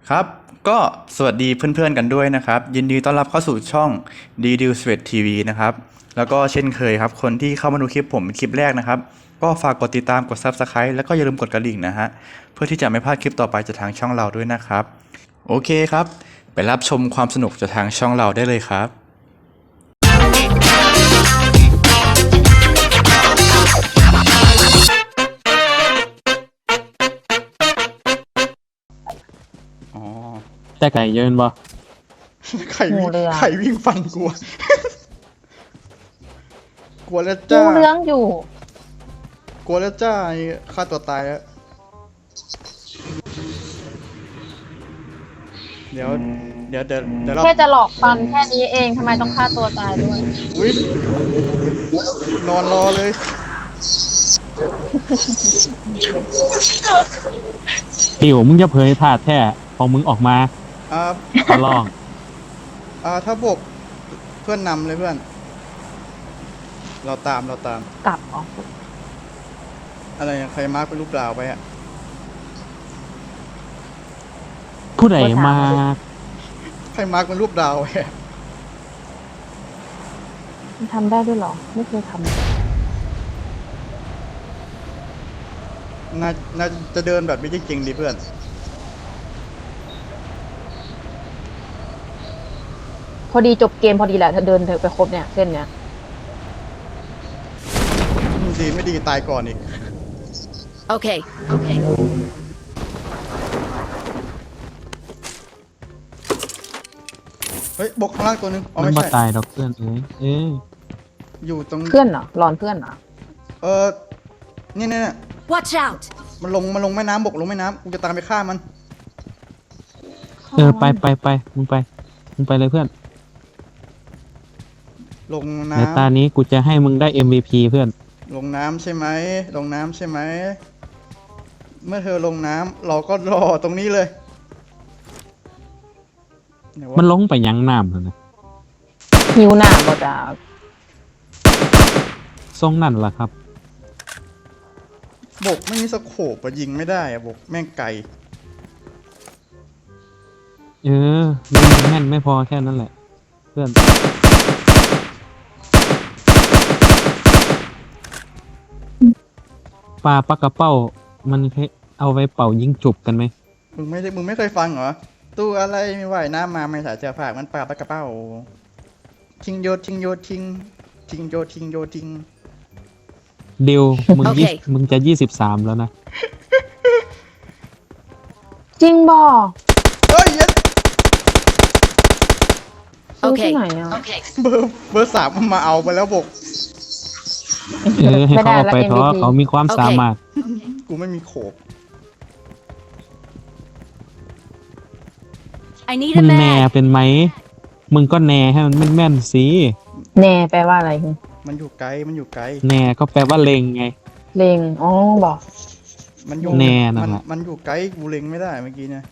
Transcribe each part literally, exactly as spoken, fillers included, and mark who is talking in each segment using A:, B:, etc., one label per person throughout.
A: ครับก็สวัสดีเพื่อนๆกันด้วยนะครับยินดีต้อนรับเข้าสู่ช่อง D D Sweat ที วี นะครับแล้วก็เช่นเคยครับคนที่เข้ามาดูคลิปผมเป็นคลิปแรกนะครับก็ฝากกดติดตามกด Subscribe แล้วก็อย่าลืมกดกระดิ่งนะฮะเพื่อที่จะไม่พลาดคลิปต่อไปจากทางช่องเราด้วยนะครับโอเคครับไปรับชมความสนุกจากทางช่องเราได้เลยครับอ๋อ
B: แต่ไก่เยินบ่
A: ไข่วิ่ง
C: งูเรือ
A: ไข่วิ่งฟันกลัวกลัวแล้ว
C: งู
A: จ้า
C: เลื้องอยู่
A: กลัวแล้วจ้าฆ่าตัวตายแล้วเดี๋ยวเดี๋ยวเดี๋ยวเดี๋ยวเรา
C: แค่จะหลอกฟันแค่นี้เองทำไมต้องฆ่าตัวตายด้วย
A: อุ๊ยนอนรอเลย
B: ติวมึงจะเผยถาดแท้ของมึงออกมา
A: อ่า
B: ขอลอง
A: อ่าถ้าบกเพื่อนนำเลยเพื่อน เราตามเราตาม
C: กลับอ๋อ
A: อะไรอย่างใครมาร์กเป็นรูปดาวไปอะ
B: ผู้ใดมา
A: ใครมาร์กเป็นรูปดาวไปอะ
C: มันทำได้ด้วยเหรอ ไม่เคยท
A: น่าน่าจะเดินแบบไม่จริงๆดิเพื่อน
C: ำพอดีจบเกมพอดีแหละถ้าเดินเธอไปครบเนี่ยเส้นเนี้ย
A: ดีไม่ดีตายก่อนอีก
D: Okay. Okay.
A: เฮ้ยบกข้างล่างตัวนึงอ๋อ
B: มัน
A: ไม่
B: มา
A: ใช่
B: ตายดอกเพื่อนเอ้ยเอ้ย
A: อยู่ตรง
C: เพื่อนเหรอรอนเพื่อนเหรอ
A: เออเนี่ยเนี่ยเนี่ย
D: Watch out.
A: มันลงมันลงแม่น้ำบกลงแม่น้ำกูจะตามไปฆ่ามัน
B: เออไปไปไปมึงไปมึงไปเลยเพื่อน
A: ลง
B: ใน
A: น้ำ
B: ตานี้กูจะให้มึงได้ เอ็ม วี พี เพื่อน
A: ลงน้ำใช่ไหมลงน้ำใช่ไหมเมื่อเธอลงน้ำเราก็รอตรงนี้เลยไหวะ
B: มันลงไปยังน้ำเลยนะ
C: หิวหน้าบ่จ้า
B: ทรงนั่นล่ะครับ
A: บกไม่มีสโคปอะยิงไม่ได้อะบกแม่งไกล
B: เออมึงแม่นไม่พอแค่นั้นแหละ เพื่อนปลาปากกระเป้า มันเคยเอาไว้เป่ายิงจุบกันไหม
A: มึงไม่ได้มึงไม่เคยฟังเหรอตู้อะไรไม่ไหวน้ำมาไม่สายเสื้อผ้ามันปลาปากกระเป้าทิ้งโยนทิ้งโยนทิ้งทิ้งโยนทิ้งโยนทิ้ง
B: เดียวมึง
D: โอเค
B: ยี่มึงจะยี่สิบสามแล้วนะ
C: จริงบ่
A: เฮ้ยเย็ด
C: ซื้อ
D: Okay.
C: ที่ไหนอ่ะ
D: Okay.
A: เบอร์เบอร์สามมันมาเอาไปแล้วบก
B: เออให้เขาเอาไป
C: ไม่ได้
B: เถ
C: ละ
B: อะ
C: เอ็มวีพี
B: เขามีความ
D: โอเค
B: สามารถ
A: กูไม่มีโขบ
D: I need
B: มึ
D: a
B: งแน่
D: mag.
B: เป็นไหม มึงก็แน่ให้มันแม่นๆสิ
C: แน่แปลว่าอะไรคือ
A: มันอยู่ไกลมันอยู่ไกล
B: แน่ก็แปลว่าเล็งไง
C: เลงอ๋อบอก
A: มันอยู่
B: แน่นั่
A: มัน
B: นแหละ
A: มันอยู่ไกลกูเล็งไม่ได้เมื่อกี้เนี่ย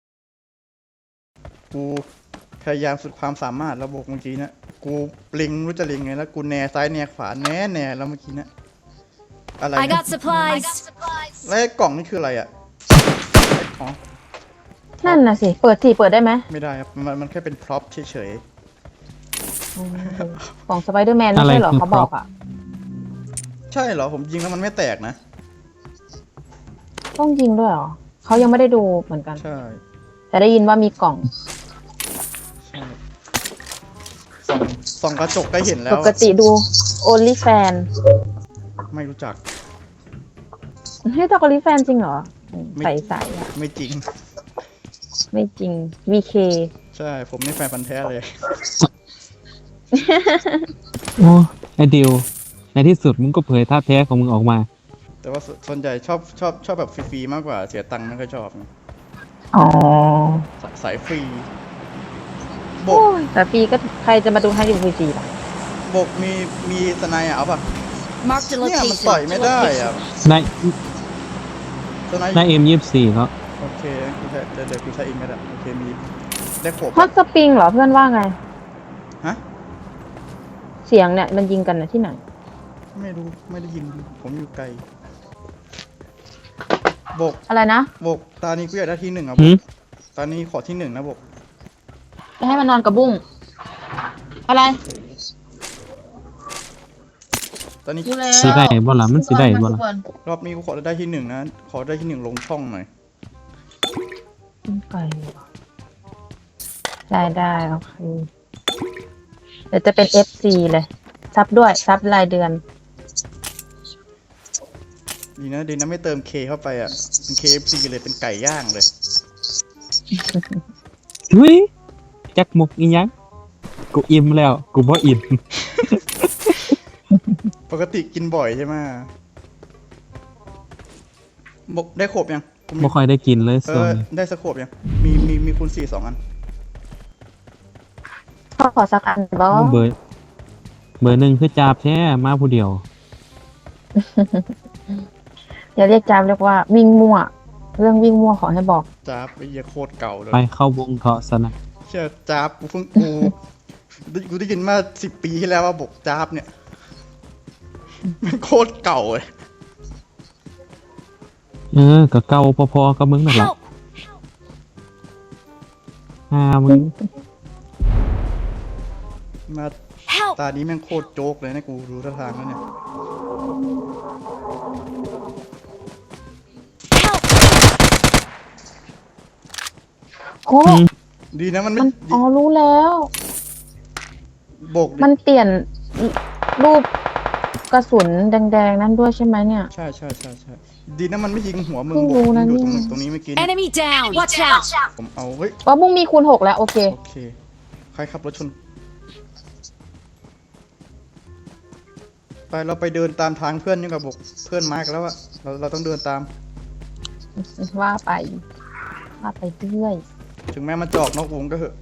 A: กูพยายามสุดความสามารถแล้วบกเมื่อกี้เนี่ยกูเล็งไม่รู้จะเล็งไงแล้วกูแนซ้ายแนขวาแน่แน่แล้วเมื่อกี้เนี่ยอะไร
D: I got supplies.
A: แล้วไอ้กล่องนี่คืออะไรอ่ะไอ้ของ
C: นั่นน่ะสิ เปิดสิเปิดได้ไหม
A: ไม่ได้ครับมันมันแค่เป็นพร็อพเฉย
C: อืมของสไปเดอร์แมนไม่
B: อะไร
C: ใช่เหรอ
B: คือ
C: เขาบอกอ่ะ
A: ๆใช่เหรอผมยิงแล้วมันไม่แตกนะ
C: ต้องยิงด้วยเหรอเขายังไม่ได้ดูเหมือนกัน
A: ใช่
C: แต่ได้ยินว่ามีกล่อง
A: ใช่ส่องส่องกระจกก็เห็นแล้
C: ป
A: ว
C: กติดู only fan
A: ไม่รู้จัก
C: ให้ตอกอลิแฟนจริงเหรอ
A: ไม่
C: ใส่ใส่อะ
A: ไม่จริง
C: ไม่จริง วี เค
A: ใช่ผมนี่แฟนพันธุ์แท้เลย
B: โอ้ไอเดียวในที่สุดมึงก็เผยท่าแท้ของมึงออกมา
A: แต่ว่าสส่วนใหญ่ชอบชอบชอบแบบฟรีๆมากกว่าเสียตังค์ไม่ค่อยชอบไง
C: อ๋อ
A: สสายฟรีบ
C: โอ้
A: ก
C: ยแต่ฟรีก็ใครจะมาดูให้ดูฟรีๆล่ะ
A: บกมีมีสไนด์อะเอาป่ะ
D: Marked a
A: เนี่ยมัน
D: location.
A: ต่อยไม่ได้อะ
B: ใน
A: สไนด์
B: ในเอ็มยี่สิบสี่เขา
A: โอเคกูใช้เดี๋ยวเดี๋ยวกูใช้เองก็ได้โอเคมีได้ขวบ
C: ฮอตสปริงเหรอเพื่อนว่าไง
A: ฮะ
C: เสียงเนี่ยมันยิงกันนะที่ไหน
A: ไม่รู้ไม่ได้ยินผมอยู่ไกลบก
C: อะไรนะ
A: บกตานี้กูอยากได้ที่หนึ่งอ่ะบ
B: หื
A: ก
B: ม
A: ตอนนี้ขอที่หนึ่งนะบอก
C: จะให้มันนอนกับบุ้งอะไร
A: ตอนนี้
C: ดูแล้ว
B: สิได้บ่ล่ะมันสิได้บ่ล่ะ
A: รอบนี้กูขอได้ที่หนึ่งนะขอได้ที่หนึ่งลงช่องหน่อย
C: ไปได้ได้โอเคเดี๋ยวจะเป็น เอฟ ซี เลยซับด้วยซับรายเดือน
A: ดีนะดีนะไม่เติมเคเข้าไปอ่ะเป็น เค เอฟ ซี เลยเป็นไก่ย่างเลย
B: เฮ้ยจักมุกอีหยังกูอิ่มแล้วกูบ่อิ่ม
A: ปกติกินบ่อยใช่ไหมบอกได้ขบยังกูมี
B: บ่ค่อยได้กินเลย
A: เอ
B: ส่วน
A: อได้สโคบยังมีมีมีคูณสี่สองอัน
C: พ่อขอสักอันบอ
B: เบอร์เบอร์หนึ่งคือจาบแท้มาผู้เดียว
C: อย่าเรียกจามเรียกว่าวิ่งมั่ว เรื่องวิ่งมั่วขอให้บอก
A: จ้าบไอ้เหี้ยโคตรเก่าเลย
B: ไปเข้าวงเถาะซะนะ
A: เชื่อจ้าบกูเพิ่งกูได้กูได้ยินมาสิบปีที่แล้วว่าบอกจ้าบเนี่ยมันโคตรเก่าเลย
B: เออก็เก่าพอๆกับมึงนั่นแหละ
D: Help!
B: หามึง
A: มา
D: Help!
A: ตานี้แม่งโคตรโจ๊กเลยนะกูรู้ท่าทางแล้วเนี่ย
D: Help!
C: โอ้
B: อืม
A: ดีนะมันไม่
C: มันอ๋อรู้แล้ว
A: โบกดิ
C: มันเปลี่ยนรูปกระสุนแดงๆนั้นด้วยใช่ไหมเนี่ย
A: ใช่ใช่ใช่ใช่ดีนะมันไม่ยิงหัวมึง
C: เพิ่ง
A: โบ
C: รู้
A: ก
C: นะ
A: มึงอยู่ตรง
C: เนี่ย
A: ตรงนี้เมื่อกี้เนี่ย
D: Enemy down! Watch out!
A: ผมเอาเฮ้ย
C: ว่าบุ้งมีคูณหกแล้วโอเค
A: โอเคใครขับรถชนไปเราไปเดินตามทางเพื่อนนี่กับบอกเพื่อนมาร์กแล้วอะเราเราต้องเดินตาม
C: ว่าไป ว่าไปเรื่อย
A: ถึงแม้มันจะออกนอกวงก็เถอะ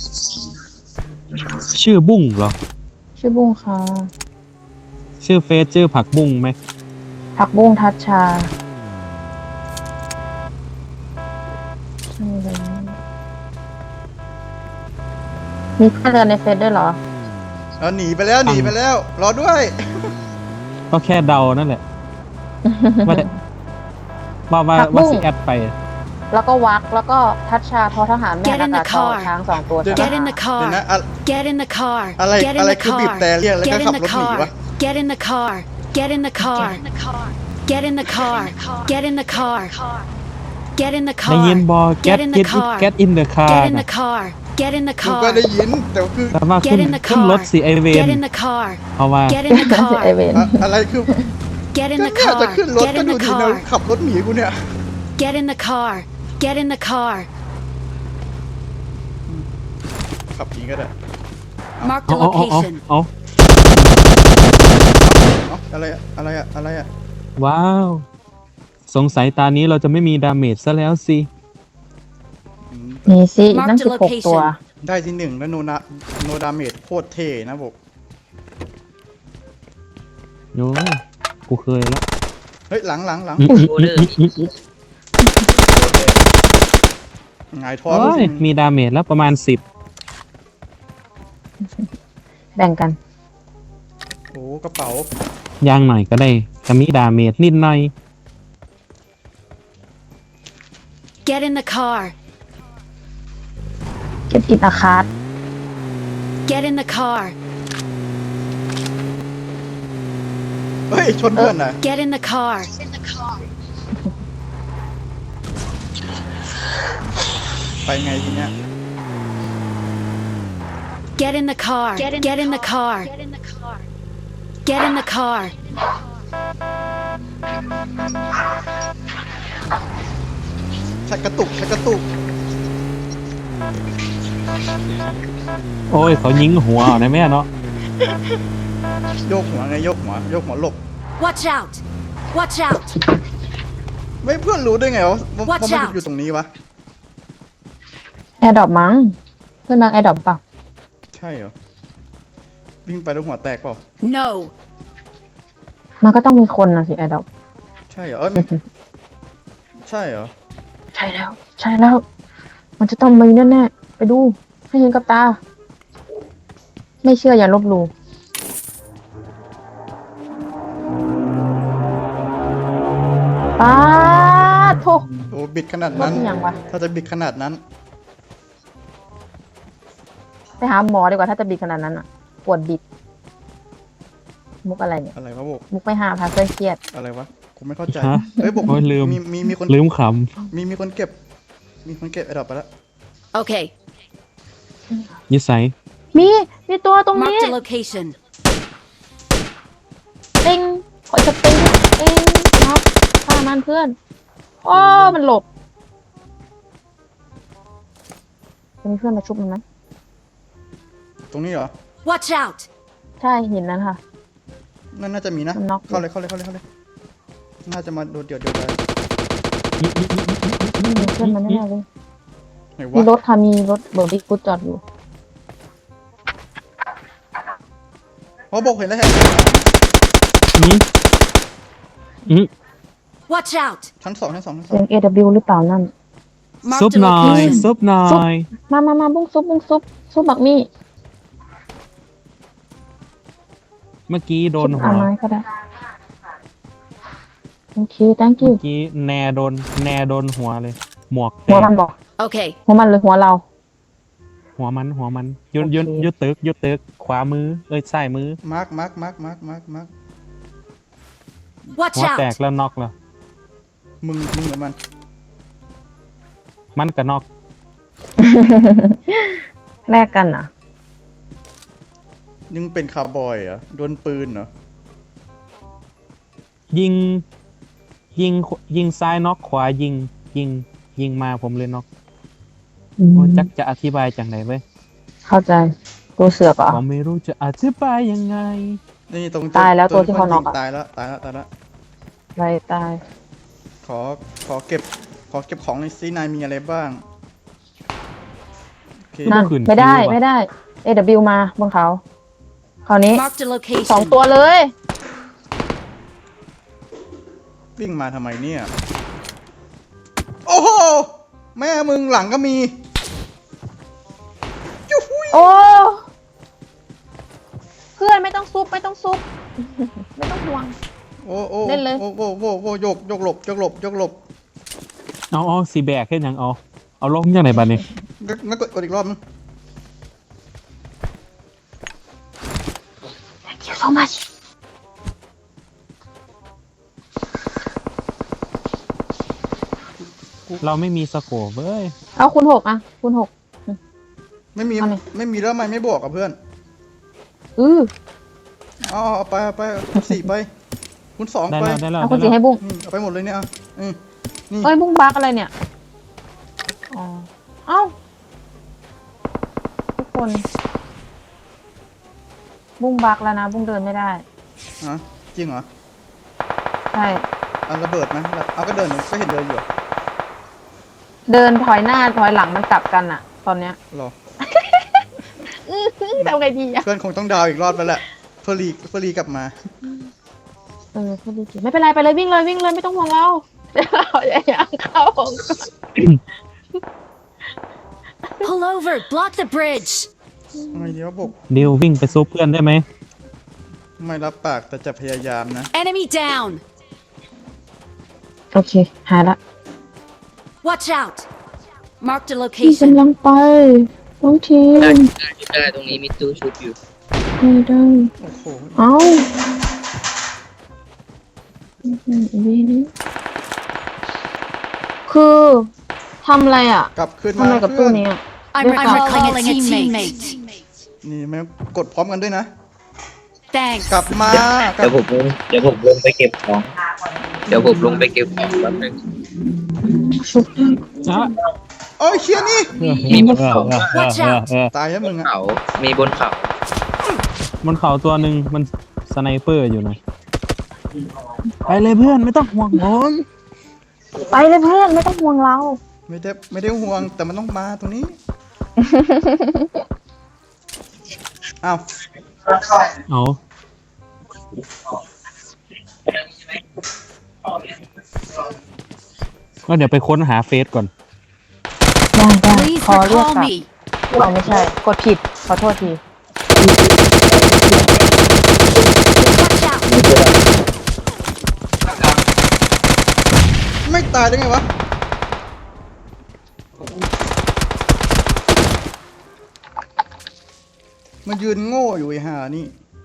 B: ชื่อบุ้งเหรอ
C: ชื่อบุ้งค่ะ
B: ชื่อเฟซชื่อผักบุ้งไหม
C: ผักบุ้งทัชชาใช่เลยมีเพื่อนเดินในเฟซด้วยเหรอ
A: เอาหนีไปแล้วหนีไปแล้ว รอด้วย
B: ก็แค่เดานั่นแหละ ว่าแต่ว่าว่า
C: ผักบุ้
B: ว่าง สิแอดไป
C: แล้วก็วักแล้วก็ทัชชาทอทหารแม่
D: Get in
C: นา
D: the
C: คาทอ
D: car
C: ช้างสองตัว
A: เดี๋ยว
C: ใช่
D: Get
C: ไหม
D: in the
A: เดี๋ยวนะ
D: car!
A: อะ
D: Get in the car!
A: อะไร
D: Get in
A: อะไร
D: the
A: คือบีบ
D: car!
A: แต่เรียกแล้วก็
D: Get
A: ขั
D: in
A: บ
D: the
A: รถหนี
D: car!
A: วะ
D: Get in the car! Get in the car! Get in the car! Get in the car! Get in the
B: ได้ยิน
D: car!
B: บอ get
D: Get in the
B: get
D: car
B: get in the car
D: Get in
B: นะ
D: the car! Get in the
A: กูก็
D: car!
A: ได้ยินแต่ว่าคือ
B: แต่ว่าขึ้น
D: Get in the
B: ขึ้น
D: car
B: รถสีไอเวน
D: Get in the car!
B: เพราะว่า
D: Get in the
C: ไอเว
D: car!
C: น
A: อะอะไรคือ
D: Get in
A: ก็
D: the
A: เนี่ยจะ
D: car!
A: ขึ้นรถ
D: Get
A: ก็
D: in
A: ดู
D: the
A: ดีนะ
D: car!
A: ขับรถหนีกูเนี่ย
D: Get in the car! Get in the car!
A: ขับหนีก็ได้
D: Mark
B: เอา
D: the
B: เอาเอาเอา
D: location.
B: เอา
A: เอ้าอะไรอะอะไรอะอะไรอะ
B: ว้าว สงสัยตานี้เราจะไม่มีดาเมจซะแล้วสิ
A: อืม
C: มีสิ
D: Mark
C: นั่น
D: the
C: สิบหก
D: location
C: ตัว
A: ได้ที่หนึ่งแล้วโนนาโนดาเมจโคตรเท่นะบอก
B: โอ้ยกูเคยแล้ว
A: เฮ้ยหลังหลังหลัง
B: อืมอืมอืมอืมอืม
A: หงายท้อง
B: โอ้ยมีดาเมจแล้วประมาณสิบ
C: แบ่งกัน
A: โอ้กระเป๋า
B: ย่างหน่อยก็ได้จะมีดาเมจนิดหน่อย
D: Get in the car!
C: เก็บอินอาคาร์ด
D: Get in the car!
A: เฮ้ยชนเพื่อนน่ะ
D: Get in the car!
A: ไปไงทีเนี้ย
D: Get in the car! Get in the car! Get in the car!
A: ชักกระตุกชักกระตุก
B: โอ้ยเขายิงหัวเอานะแม่เนาะ
A: โยกหัวไงโยกหัวโยกหัวหลบ
D: Watch out! Watch out!
A: ไม่เพื่อนรู้ได้ไงวะว่าว่า
D: Watch
A: มัน
D: out
A: อยู่ตรงนี้วะ
C: แอร์ดรอปมั้ง เพื่อนมาแอร์ดรอปเปล่า
A: ใช่เหรอวิ่งไปแล้วหัวแตกเปล่า
D: No!
C: มันก็ต้องมีคนนะสิแอร์ดรอป
A: ใช่เหรอเอ้ยมันใช่เหรอ
C: ใช่แล้ว ใช่แล้ว มันจะต้องมีแน่ๆไปดู ให้เห็นกับตา ไม่เชื่ออย่าลบหลู่ป้าดโถ
A: โอ้อ้บิดขนาด
C: รถ
A: นั้น
C: เป็นยังวะ
A: ถ้าจะบิดขนาดนั้น
C: ไปหาหมอดีกว่าถ้าจะบิดขนาดนั้นอ่ะปวดบิด มุกอะไรเนี่ย
A: อะไรวะโบก
C: มุกไปหาพาเพื่อนเครียด
A: อะไรวะกูไม่เข้าใจ
B: ฮะ
A: เฮ้ยโบก
B: โอ้ยลืม
A: มีมีมีคน
B: ลืมข
A: มีมีคนเก็บ มีคนเก็บไอ้ดอกไปแล้ว
D: Okay,
B: ำยิสัย
C: มี มีตัวตรงนี้
D: marked a location.
C: ติงขอจะติงติงน็อกฆ่ามันเพื่อนอ้อมันหลบจะมีเพื่อนมาชุบมันไหม
A: ตรงนี้เหรอ
D: Watch out!
C: ใช่เห็นนั้นค่ะ
A: นั่นน่าจะมีนะ
C: มันน็อก
A: เข้าเลยเข้าเลยเข้าเลยเข้าเลย น่าจะมาโดดเดี่ยวเดียวได้
C: มีเพื่อนมันแน่ๆเลย
A: ไหน
C: มี
A: วะ
C: รถค่ะมีรถเบอร์บิ๊กฟุตจอดอยู่
A: อ๋อโบกเห็นแล้วเห็น
B: อืมอืม
D: Watch out!
A: ชั้นสองชั้นสองชั้นส
C: เสี
A: อย ง
C: ง เอ ดับเบิลยู หรือเปล่านั่น
B: ซุป
D: Marked a
B: หน่อย
D: location.
B: ซุปหน่อย
C: มามามาบุ้งซุปบุ้งซุปซุปบักมี่
B: เมื่อกี้โดน
C: ซุป
B: หั
C: อาว ไม้ก็ได้ โอเค thank
B: เมื่
C: you
B: อกี้แนโดนแนโดนหัวเลย หมวกแต
C: หัว
B: ก
C: มันบอก
D: Okay,
C: หัวมันหรือหัวเรา
B: หัวมันหัวมันยุด
C: โอเค
B: ยุดยุดตึกยุดตึกขวามือ เอ้ยซ้ายมือ
A: มาร์กมาร์กมาร์กมาร์กมาร์กมาร์ก
D: watch
B: หัวแตก
D: out!
B: แล้วน็อกแล้ว
A: มึงมึงเหมือนมัน
B: มันก็น็อก
C: แลกกันอ่ะ
A: ยังเป็นคาร์บอยเหรอโดนปืนเหรอ
B: ยิง ยิงยิงซ้ายน็อกขวายิง ยิง ยิงมาผมเลยน็อกโอ้จักจะอธิบายจังไหนเว้ย
C: เข้าใจ ตัวเสือกเหรอ
B: ผมไม่รู้จะอธิบายยังไง
A: นี่ตรง
C: ตายแล้วตัวที่เขาน็อกอะ
A: ตายแล้วตายแล้วตายแล้ว
C: ไรตาย
A: ขอขอเก็บ ขอเก็บของในซีนายมีอะไรบ้างโอเค
C: นั่น
B: ขึ้น
C: ไม่ได้
B: คิวอะ
C: ไม่ได้ เอ ดับเบิลยู มาบนเขา คราวนี้
D: Marked a
C: สอง
D: location.
C: ตัวเลย
A: วิ่งมาทำไมเนี่ย โอ้โห แม่มึงหลังก็มียูหุย
C: โอ้ เพื่อนไม่ต้องซุปไม่ต้องซุป ไม่ต้องห่วง
A: โอ้โอ้
C: เล่นเลย
A: โอ้โอ้โอ้โอ้โยกโยกหลบโยกหลบโยกหลบ
B: เอาเอาสีแบกแค่ยังเอา เอาลงยังไหนบ้านี่
A: งั้นงั้นกดกดอีกรอบนึง
C: thank you so much
B: เราไม่มีสโคปเว้ย
C: เอาคุณหกอ่ะ คุณหก
A: ไม่มี
C: เอาเลย
A: ไม่มีแล้วทำไมไม่บอกกับเพื่อน
C: อือ
A: เอาเอาไปเอาไปคุณสี่ไป คุณสอง
B: ได้
A: ไป
B: แล้วได้แล้ว
C: เอาคุณ
B: ได้
C: จี
B: แล้ว
C: ให้บุ้ง
A: อืมเอาไปหมดเลยเนี่ยอ่ะอืมนี่
C: เอ้ยบุ้งบักอะไรเนี่ย อ๋อ เอ้า ทุกคน บุ้งบักแล้วนะ บุ้งเดินไม่ได้
A: ฮะจริงเหรอ
C: ใช่
A: เอาระเบิดไหมเอาก็เดินก็เห็นเดินอยู่อะ
C: เดินถอยหน้าถอยหลังมันกลับกันอะตอนเนี้ย
A: รอ
C: อื้อหือทำไงดีอะ
A: เพื่อนคงต้องดาวอีกรอบแล้วแหละเพื่อรีเพื่อรีกลับมา
C: เออพูดดีๆไม่เป็นไรไปเลยวิ่งเลยวิ่งเลยไม่ต้องห่วงเราเดี๋ยวเราอย่าเข้าของ
D: Pull over, block the bridge.
A: ทำไมดีวะบุก
B: ดิววิ่งไปซุปเพื่อนได้ไหม
A: ไม่รับปากแต่จะพยายามนะ
D: Enemy down.
C: โอเค หายละ
D: Watch out. Marked a
C: พี่
D: location.
C: กำลังไปน้องทีม
E: ได้ได้ตรงนี้มีตู้ชุบอยู่
C: ไม่ได้
A: โอ้โห
C: เอ้าอื้อหือวีนี้คือทำอะไรอ่ะ
A: กลับขึ้น
C: ทำ
A: มา
C: อะไรกับ
A: เพื่
C: ตู้
A: อน
C: นี้อ่ะ
D: I'm
C: Yes, I'm
D: recalling a teammate.
A: นี่แม่งกดพร้อมกันด้วยนะ
D: Thanks.
A: กลับมากลั
E: เดี๋ย
A: บ
E: วผมลงเดี๋ยวผมลงไปเก็บของ เดี๋ยวผมลงไปเก็บของแป๊บนึง
C: ชุบได้
B: อ่ะ
A: โอ้ยเชี่ยนี่
E: มีบนเขา
B: เออเออเออเออ
A: ตายแล้วมึงอะ
E: เขา มีบนเขา
B: บนเขาตัวหนึ่งมันสไนเปอร์อยู่นะไปเลยเพื่อนไม่ต้องห่วงผม
C: ไปเลยเพื่อนไม่ต้องห่วงเรา
A: ไม่ได้ไม่ได้ห่วงแต่มันต้องมาตรงนี้ อ้าว
B: เอาก็เดี๋ยวไปค้นหาเฟซก่อน
C: ได้ได้
D: Please
C: ขอเรียก
D: recall
C: กลับ
D: me.
C: เอาไม่ใช่ กดผิด ขอโทษที
D: Watch out.
A: ไม่ตายได้ไงวะมันยืนโง่อยู่ไอ้ห่านี่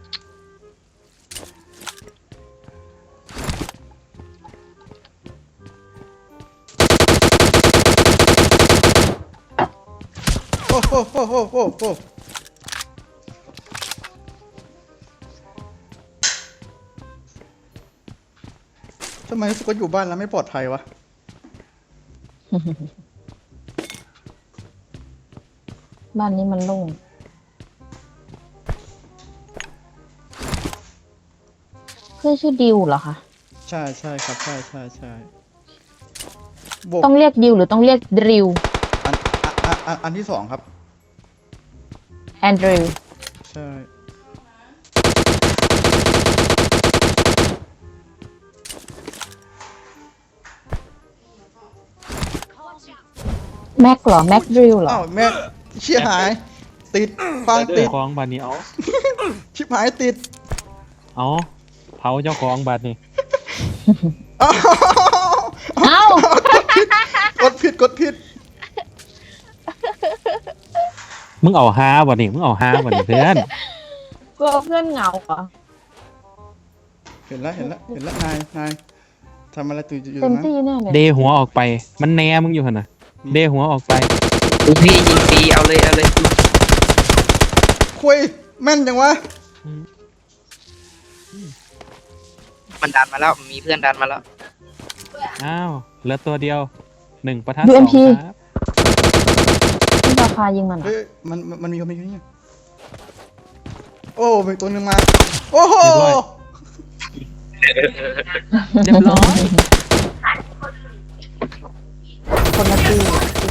A: โอ้โหโอ้โหโอ้โหทำไมรู้สึกว่าอยู่บ้านแล้วไม่ปลอดภัยวะ
C: บ้านนี้มันโล่งเพื่อนชื่อดิวเหรอคะ
A: ใช่ใช่ครับใช่ใช่ใช่บวก
C: ต้องเรียกดิวหรือต้องเรียกดริว
A: อันอันอันอันที่สองครับ
C: แอนดริว
A: ใช่
C: แม็กเหรอ แม็กดริวเหรอ
A: อ้าวแม่เชี่ยหาย ติดฟังติด
B: ของบัดนี้เอา
A: ชิบหายติด
B: เอาเผาเจ้าของบัดนี้
A: อ้าว
C: เอ้า
A: กดผิดกดผิด
B: มึงเอาฮาบัดนี้มึงเอาฮาบัดนี้เพื่อน
C: กลัวเพื่อนเหงาเหรอ
A: เห็นแล้วเห็นแล้วเห็นแล้วนายนายทำอะไรตื่นอยู่
C: เต็ม
A: นะ
C: ที่แน่เลย
B: เดหัวออกไป มันแหนมึงอยู่หั่นน่ะ เดหัวออกไป
E: ลูกพี่ยิงฟรีเอาเลยเอาเลย
A: คุยแม่นจังวะ
E: มันดันมาแล้วมีเพื่อนดันมาแล้ว
B: อ้าวเหลือตัวเดียวหนึ่งประทัด
C: ยู
B: ส
C: เอ็
B: อ
C: ม
B: ง
C: พี
B: ครับ
C: ที่ราคายิงมันเหรอ
A: เฮ้ยมันมันมันมีคนมีคนนี้โอ้มีตัวหนึ่งมา โอ้โห
B: เรียบร้อย
C: คนละตี